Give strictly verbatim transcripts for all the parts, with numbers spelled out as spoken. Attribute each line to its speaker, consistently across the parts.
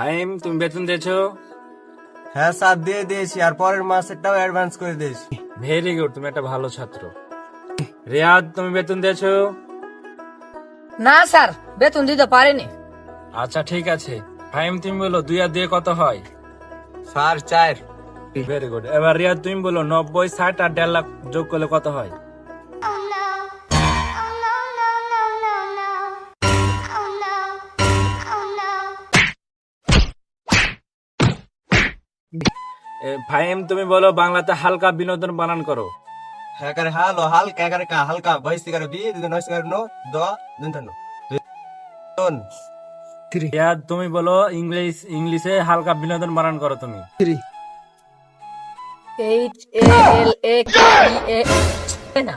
Speaker 1: ফাহিম, তুমি বেতন দিয়েছো?
Speaker 2: হ্যাঁ স্যার, দিয়ে দিয়েছি, আর পরের মাসেরটাও অ্যাডভান্স করে দিয়েছি।
Speaker 1: ভেরি গুড, তুমি একটা ভালো ছাত্র। রিয়াদ, তুমি বেতন দিয়েছো?
Speaker 3: না স্যার, বেতন দিতে পারিনি।
Speaker 1: আচ্ছা ঠিক আছে। ফাহিম, তুমি বলো দুই আর দিয়ে কত হয়?
Speaker 2: স্যার চার।
Speaker 1: Very good. এবার রিয়াদ তুমি বলো নব্বই, ষাট আর দেড় লাখ যোগ করলে কত হয়? এ, ফাহিম, তুমি বলো বাংলাতে হালকা বিনোদন বানান করো।
Speaker 2: হ্যাঁ করে হালো হালকা করে কা হালকা বাইশ করে বি দুই নয় করে নো দ দুই নো দুন
Speaker 1: রিয়াদ, তুমি বলো ইংলিশ ইংলিশে হালকা বিনোদন বানান করো তুমি।
Speaker 3: এইচ এ এল এ কে ই এ না।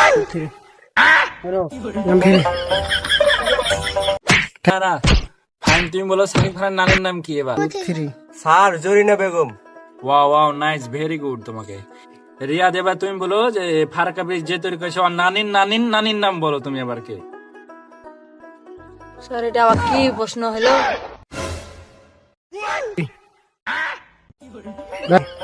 Speaker 1: না না, ফাহিম তুমি বলো সাকিব খানের নানির নাম কি এবার?
Speaker 2: Sir Zarina Begum.
Speaker 1: Wow wow, nice, very good তোমাকে। রিয়াদ, এবার তুমি বলো যে ফারাক্কা ব্রিজ যে তৈরি করেছে ওর নানির নানির নানির নাম বলো তুমি এবার কে?
Speaker 3: স্যার, এটা আবার কি প্রশ্ন হলো?